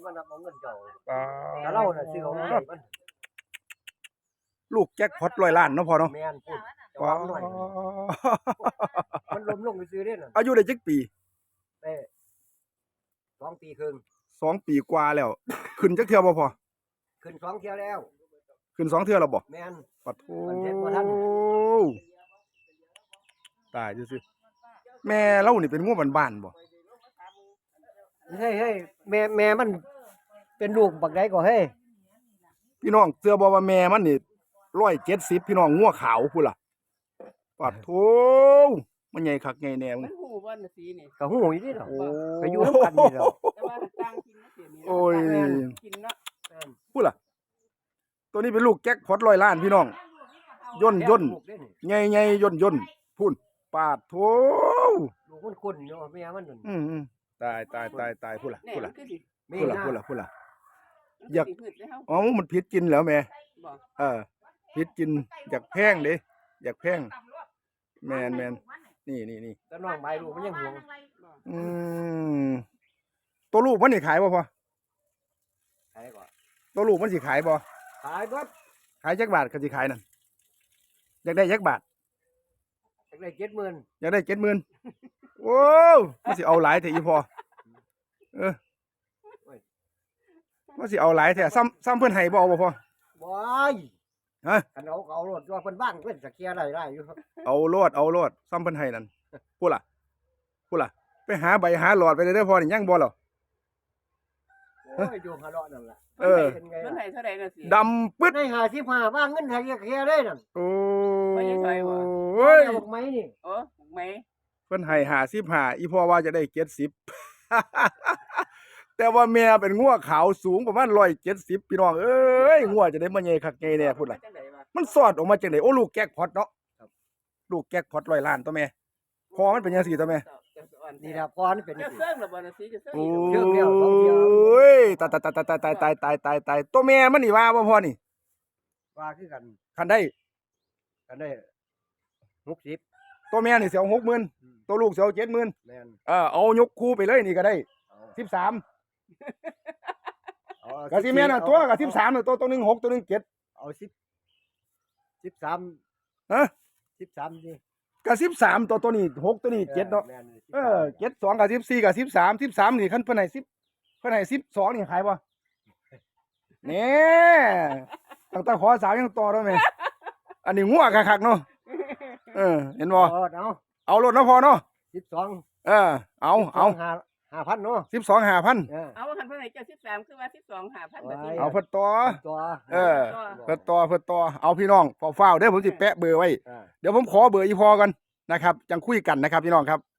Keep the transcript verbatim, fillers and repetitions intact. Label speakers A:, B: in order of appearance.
A: มันเอาเงินเจ้า
B: ปา
A: แต่เราน่ะซื้อเอาเงินมัน
B: ลูกแจ็คพอตร้อยล้านเนาะพ่อเนาะ
A: แม่นพูดจะ
B: ปา
A: วางหน่อยมันล้มลงไปซื้อเด้น่ะ
B: อายุได้จักปี
A: เอ้สองปีครึ่ง
B: สองปีกว่าแล้ว ขึ้นจักเทื่อบ่พ่อ
A: ขึ้นสองเที่ยวแล้ว
B: ขึ้นสองเทื่อแล้วบ่
A: แม่น
B: ปัดโธ
A: มันเจ็บบ่ทัน
B: ตายซื่อๆแม่เรานี่เป็นงัวบ้านๆบ่
A: เฮ้ยเฮ้ยแม่แม่มันเป็นลูกบักใดก็เฮ้ย
B: พี่น้องเชื่อบ่ว่าแม่มันนี่หนึ่งร้อยเจ็ดสิบพี่น้องงัวขาวพุ่นล่ะปัดโธมันใหญ่คักใหญ่แน่มึ
C: มั
B: ง
C: นหูบ่น่ะสีนี่
A: ก็ฮู้อยู่นี่ดอก
B: โอ้
A: ก็อยู่นำกันนี่ดอก
C: แต่ว่าต่างกินนะเสียนี่
B: โอ้ย
C: กินเนาะ
A: แม่น
B: พุ่นล่ะตัวนี้เป็นลูกแจ็คพอตร้อยล้านพี่น้องย่นย่น
A: ลูกเด้นี่
B: ใหญ่ๆย่นย่นพุ่นปาดโธ
A: ลูกมันคุ้นอยู่แม่มันนั่น
B: อืมๆตายตายตายตายพุ่นล่ะ
C: แน่
B: พุ่น
C: มั
B: ล่ะ
C: นคือสิ
A: มี
B: พุ่นล่ะ
A: นะ
B: พุ่นล่ะพุ่นล่ะ
C: มัน
B: อยาก
C: สิพืชได้เฮา
B: อ๋อมันผิดกินแล้วแม่
C: บ่
B: เออผิดกินอยากแพงเด้อยากแพงแมนแมนนี่นี่นี่
A: แต่น้องใบลูกมันยังห่วง
C: บ่
B: อืมตัวลูกมันสิขายบ่พอ
A: ขายก่อน
B: ตัวลูกมันสิขายบ่
A: ขายเบิด
B: ขายจักบาทก็สิขายนั่นอยากได้จักบาท
A: จักได้เจ็ดหมื่น
B: อยากได้เจ็ดหมื่นโอ้มันสิเอาหลายแท้อีพอเออมันสิเอาหลายแท้ซ้ำซ้ำเพิ่นให้บ่เอาบ่พอ
A: บ่ย
B: ฮะ
A: คันเอาเอารถว่าเพิ่นบ้างเพิ่นสะเกียได้ได้อยู่
B: เอาโลดเอาโลดซ้ำเพิ่นให้นั่นพูดล่ะพูดล่ะไปหาใบหาหลอดไปเด้อพอนี่ยังบ่หรอ
A: โอ้ยอยู่หาเลาะนั่นล่ะ
B: เออ
A: เป็นไง
C: เพิ่น
A: ล่ะ
C: ให้เท่าใดน่ะสิ
B: ดำปึ๊ด
A: ได้ห้าสิบห้าบ้างเงินให้เกียได้นั่น
B: โอ้
C: ไม่ใช่ซอยบ่
B: เฮ้ย
A: เอาบอกไหมนี่
C: โอ้ไหม
B: เพิ่นให้ห้าสิบห้าอีพ่อว่าจะได้เจ็ดสิบ แต่ว่าแม่เป็นงัวขาวสูงประมาณหนึ่งร้อยเจ็ดสิบพี่น้องเอ้ยงัวจะได้มาใหญ่คักใหญ่แน่พุ่นล่ะ
C: จังได๋วะ
B: มันสอดออกมาจังได๋โอ้ลูกแก๊กพอตเนาะลูกแก๊กพอตร้อยล้านตัวแม่พอมันเป็นจังซี่ตัวแม่
A: นี่ล่ะพอนี่เป็น
C: จะ
A: สิ
C: เสื่อมแล้วบ่น่ะสิจะเสื่อม
B: โอ้
C: อีก
A: เชื่องแล้วสองเที่ยว
B: ยตายตายตายตายตายตายตายตายตายตัวแม่มันนี่ว่าบ่พอนี่
A: ว่าคือกัน
B: คันได้
A: กันได้หกสิบ
B: ตัวแม่นี่สิเอาหกหมื่นตัวลูกสิเอาเจ็ดหมื่น
A: แม่น
B: เออเอายกคู่ไปเลยนี่ก็ได้
A: เอา
B: สิบสาม
A: เอา
B: ก็สิแม่นน่ะตัวก็สิบสามน่ะตัวตัวหนึงหกตัวหนึงเจ็ด
A: เอาสิบสิบสาม
B: ฮะ
A: สิบสามดิ
B: ก็สิบสามตัวตัวนี้หกตัวนี้เจ็ดเนาะ
A: แม่สิบ
B: เอ
A: สาม
B: อเจ็ดสองกับสิบสี่กับสิบสามสิบสามนี่คันเพิ่นให้สิบเพิ่นให้สิบสองนี่ขายบ่เนี่ยตั้งแต่ขอสาวยังต่อแล้วแม่อันนี้งัวคักๆเนาะเออเห็นบ่
A: เอาเอา
B: เอารถเนาะพอเนาะ
A: สิบสอง
B: เออเอาเอา
A: ห้าห้าพันเนาะ
B: สิบสองห้าพัน
A: เออ
C: เอาคันเพิ่นให้เจ้าสิบสามคือว่าสิบสอง ห้าพันบาท
A: ไว้
B: เอาเพิ่นต่อ
A: ตัว
B: เออ เพิ่นต่อเพิ่นต่อเอาพี่น้องเฝ้าๆเด้อผมสิแปะเบอร์ไว้
A: อ่า
B: เดี๋ยวผมขอเบอร์อีพอกันนะครับจังคุยกันนะครับพี่น้องครับ